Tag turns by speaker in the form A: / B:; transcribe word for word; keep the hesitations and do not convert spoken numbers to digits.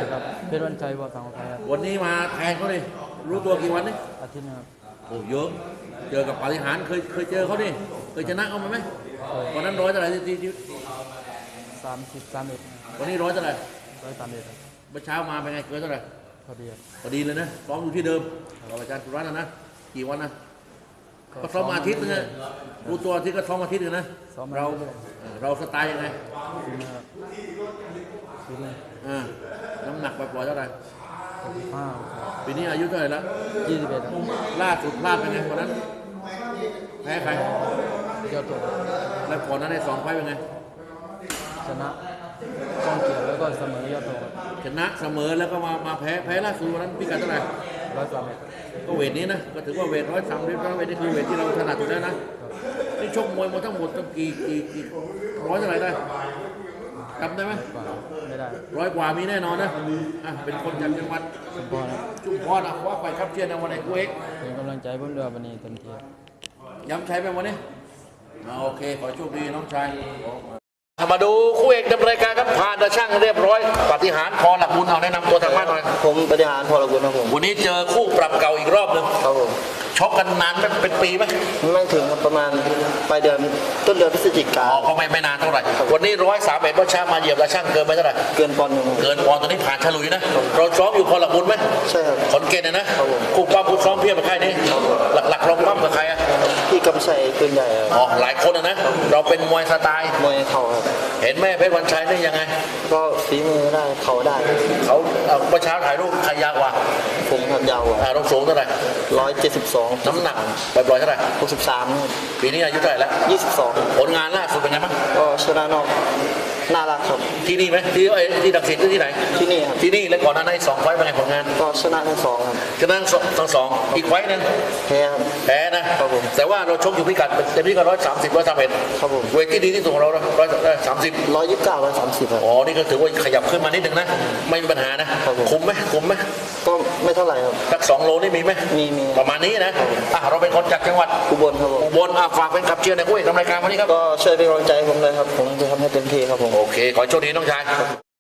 A: ครับเป็นวันชัยวัดสังขาร
B: วันนี้มาแทนเขาเลยรู้ตัวกี่วันนี่
A: อาทิตย์นะครับ
B: โอ้เยอะเจอกับปาฏิหาริย์เคยเคยเจอเขาดิเคยชนะเขาไหมวันนั้นร้อยเท่าไหร่ที่ที่
A: สามสิบสามเอ็ด
B: วันนี้ร้อยเท่าไหร่
A: ร้อยสามเอ็ด
B: เมื่อเช้ามาเป็นไงเกินเท่าไหร่
A: พอดีครับ
B: พอดีเลยนะซ้อมอยู่ที่เดิมเราอาจารย์สุรัตน์นะนะกี่วันนะก็ซ้อมมาอาทิตย์นึงนะรู้ตัวอาทิตย์ก็ซ้อมอาทิตย์นึงนะเราเราสไตล์ยังไง
A: ฟินนะครับฟินเลย
B: อ่าน้ำหนักปล่อยๆเท่าไหร่
A: หกสิบห้า
B: ปีนี้อายุเท่าไหร่แล้ว
A: ยี่สิบเอ็ด
B: ล่าสุดพลาดเป็นไงวันนั้นแพ้ใคร
A: ยอดตัว
B: แล้วก่อนนั้นในสองไฟล์เป็นไง
A: ชนะกองเกียรติแล้วก็เสมอยอดตัว
B: ชนะเสมอแล้วก็มามาแพ้แพ้ล่าสุดวันนั้นพิกัดเท่าไหร่
A: ร้อยสามเอ็ด
B: ก็เวทนี้นะก็ถือว่าเวทร้อยสามเวทร้อยเวทนี่คือเวทที่เราถนัดอยู่แล้วนะนี่ชกมวยมาทั้งหมดตั้งกี่กี่กี่ร้อยเท่าไหร่ได้จำได้ไหม
A: กว่าไม่ได้
B: ร้อยกว่ามีแน่นอนนะอ่ะเป็นคนจากจังหวัด
A: สมพรครับ
B: ชุมพรอ่ะว่าไปครับเชียร์ในวันไหนกูเอก
A: เป็นกำลังใจผมด้วยวันนี้เต็มที่
B: ย้ำใช้ไปวันนี้อ่าโอเคขอโชคดีน้องชายมาดูคู่เอกดำเนินการครับผ่านตาช่างเรียบร้อยปาฏิหาริย์พอหลักบุญเอาแนะนำตัวทางบ้านหน่อย
C: ผมปฏิหารพอละกุลครับผม
B: วันนี้เจอคู่ปรับเก่าอีกรอบหนึ่ง
C: ครับผม
B: ชกกันนานไหมเป็นปีไหม
C: ไม่ถึงครับประมาณปลายเดือนต้นเดือนพฤศจิกา
B: อ๋อก็ไม่ไม่นานเท่าไหร่วันนี้ร้อยสามเอ็ดว่าช้ามาเหยียบตาช่างเกินไปเท่าไหร่
C: เกินปอนด์หนึ่งครับ
B: เกินปอนด์ตอนนี้ผ่านฉลุยนะเราซ้อมอยู่พอหลักบุญไหม
C: ใช่ครับ
B: ขอนเกณฑ์นะครับ
C: ผม
B: คู่ปั้มคู่ซ้อมเพียบกับใครนี่หลักๆเราปั้มกับใครอ่ะ
C: พี่กำชัยปืนใหญ่ครับ
B: อ๋อหลายคนอะนะเราเป็นมวยสไตล์
C: มวยเข่าครับ
B: เห็นแม่เพชรวันชัยนี่ยังไง
C: ก็ฝีมือได้เข่าได้
B: เขาเอาเมื่อเช้าถ่ายรูปใครยาวกว่า
C: ผมครับยาวกว่า
B: อ่าเราสูงเท่าไหร่
C: ร้อยเจ็ดสิบสอง
B: น้ำหนักปล่อยๆเท่าไหร่
C: หกสิบสาม
B: ปีนี้อายุเท่าไหร่แล้ว
C: ยี่สิบสอง
B: ผลงานล่าสุดเป็นไงบ้าง
C: ก็ชนะนอกน่ารักครับ
B: ที่นี่ไหมที่เอ้ยที่ดักสินหรือที่ไหน
C: ที่นี่ครับ
B: ที่นี่แล้วก่อนหน้านั้นอีกสองไฟล์เป็นไงผลงาน
C: ก็ชนะทั้งสองครับ
B: ชนะทั้งสองอีกไฟล์หนึง
C: แพ้ครับ
B: แพ้นะครับ
C: ผม
B: แต่ว่าเราชกอยู่พิกัดเต็มที่ก็ร้อยสามสิบร้อยสามเอ็ด
C: ครับผม
B: เวทที่ดีที่สุดของเราร้อยสามสิบ
C: ร้อยยี่สิบเก้าร้อยสามสิบครับ
B: อ๋อนี่ก็ถือว่าขยับขึ้นมานิดนึงนะไม่มีปัญหานะครับ
C: ผม
B: คุมไหมคุมไหม
C: ก็ไม่เท่าไหร่ครับ
B: สักสองโลนี่มีไหม
C: มีมี
B: ประมาณนี้นะอ่ะเราเป็นคนจากจังหวัด
C: อุบลครับผม
B: อุบลอ่ะฝากเป็นขับเชียร์ในคู่เอกนำรายการวันนี้ครับ
C: ก็ช่วยเป็นกำลังใจให้ผมเลยครับผมจะทำให้เต็มที่ครับผม
B: โอเค ขอให้โชคดีน้องชาย